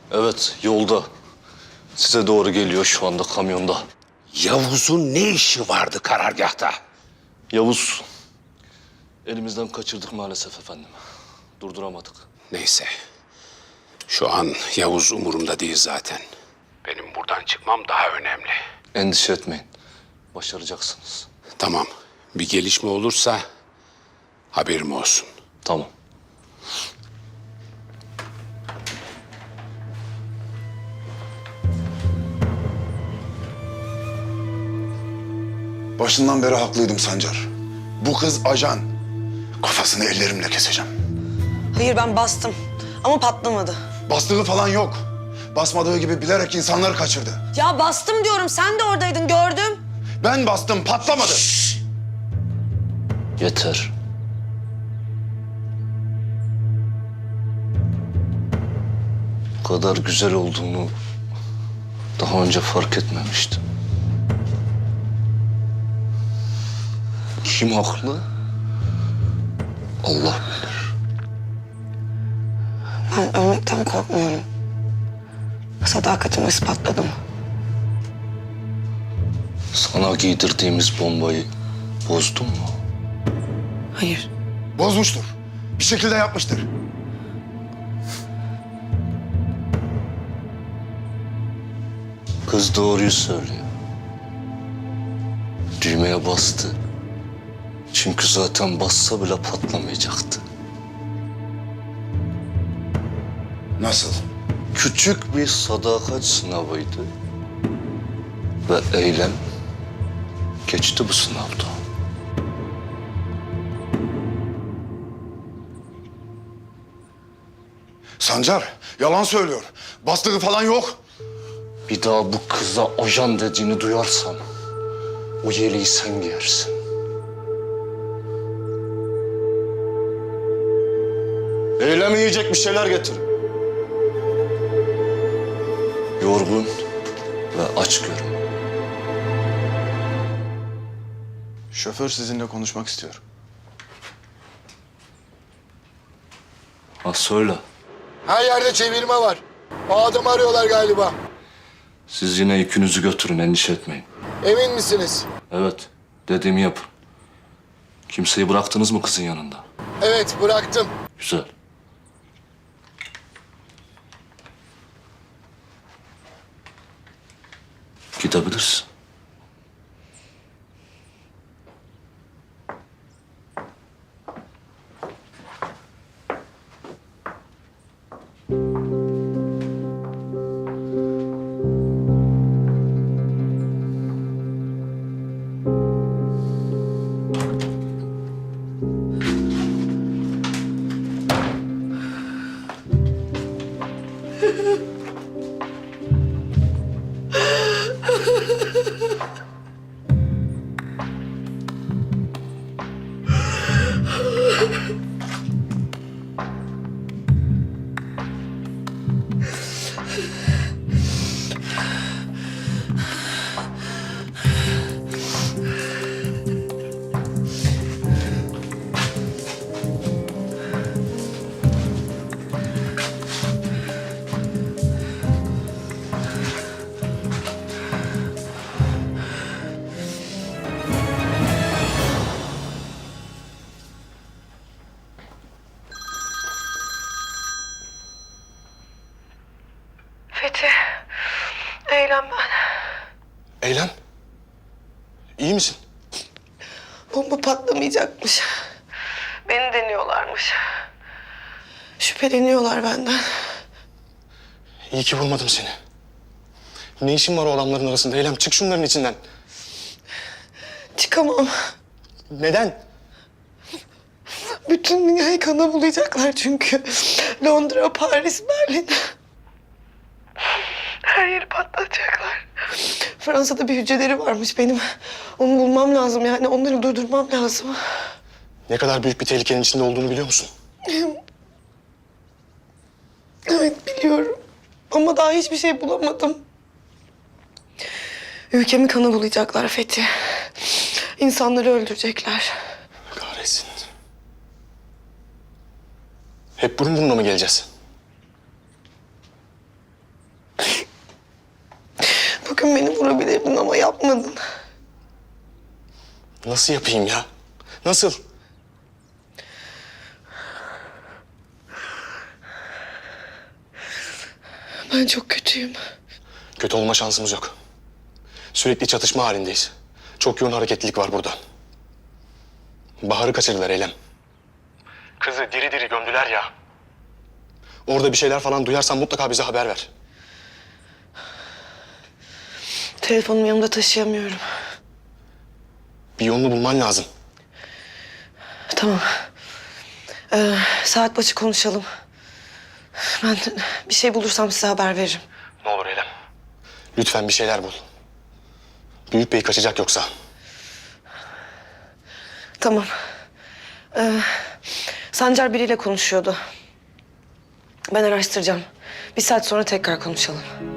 Evet, yolda. Size doğru geliyor şu anda kamyonda. Yavuz'un ne işi vardı karargahta? Yavuz, elimizden kaçırdık maalesef efendim. Durduramadık. Neyse. Şu an Yavuz umurumda değil zaten. Benim buradan çıkmam daha önemli. Endişe etmeyin. Başaracaksınız. Tamam. Bir gelişme olursa haberim olsun. Tamam. Başından beri haklıydım Sancar. Bu kız ajan. Kafasını ellerimle keseceğim. Hayır ben bastım ama patlamadı. Bastığı falan yok. Basmadığı gibi bilerek insanları kaçırdı. Ya bastım diyorum, sen de oradaydın, gördüm. Ben bastım, patlamadı. Yeter. Bu kadar güzel olduğunu daha önce fark etmemiştim. Kim haklı? Allah bilir. Ben ölmekten korkmuyorum. Sadakatimi ispatladım. Sana giydirdiğimiz bombayı bozdun mu? Hayır. Bozmuştur. Bir şekilde yapmıştır. Kız doğruyu söylüyor. Düğmeye bastı. Çünkü zaten bassa bile patlamayacaktı. Nasıl? Küçük bir sadakat sınavıydı. Ve eylem geçti bu sınavda. Sancar, yalan söylüyor. Bastığı falan yok. Bir daha bu kıza ajan dediğini duyarsam o yeleği sen giyersin. Eylem yiyecek bir şeyler getirin. Yorgun ve aç görün. Şoför sizinle konuşmak istiyor. Ha söyle. Her yerde çevirme var. O adamı arıyorlar galiba. Siz yine yükünüzü götürün, endişe etmeyin. Emin misiniz? Evet, dediğimi yapın. Kimseyi bıraktınız mı kızın yanında? Evet, bıraktım. Güzel. Gidebilirsin. Fethi, Eylem ben. Eylem, iyi misin? Bomba patlamayacakmış. Beni deniyorlarmış. Şüpheleniyorlar benden. İyi ki bulmadım seni. Ne işin var o adamların arasında Eylem? Çık şunların içinden. Çıkamam. Neden? Bütün dünyayı kana bulayacaklar çünkü. Londra, Paris, Berlin. Her yeri patlatacaklar. Fransa'da bir hücreleri varmış benim. Onu bulmam lazım yani. Onları durdurmam lazım. Ne kadar büyük bir tehlikenin içinde olduğunu biliyor musun? Evet biliyorum. Ama daha hiçbir şey bulamadım. Ülkemi kana bulayacaklar Fethi. İnsanları öldürecekler. Kahretsin. Hep burun buruna mı geleceğiz? Biliyorum beni vurabilirdin ama yapmadın. Nasıl yapayım ya? Nasıl? Ben çok kötüyüm. Kötü olma şansımız yok. Sürekli çatışma halindeyiz. Çok yoğun hareketlilik var burada. Bahar'ı kaçırdılar Eylem. Kızı diri diri gömdüler ya. Orada bir şeyler falan duyarsan mutlaka bize haber ver. Telefonumu yanımda taşıyamıyorum. Bir yolunu bulman lazım. Tamam. Saat başı konuşalım. Ben bir şey bulursam size haber veririm. Ne olur Eylem. Lütfen bir şeyler bul. Büyük Bey kaçacak yoksa. Tamam. Sancar biriyle konuşuyordu. Ben araştıracağım. Bir saat sonra tekrar konuşalım.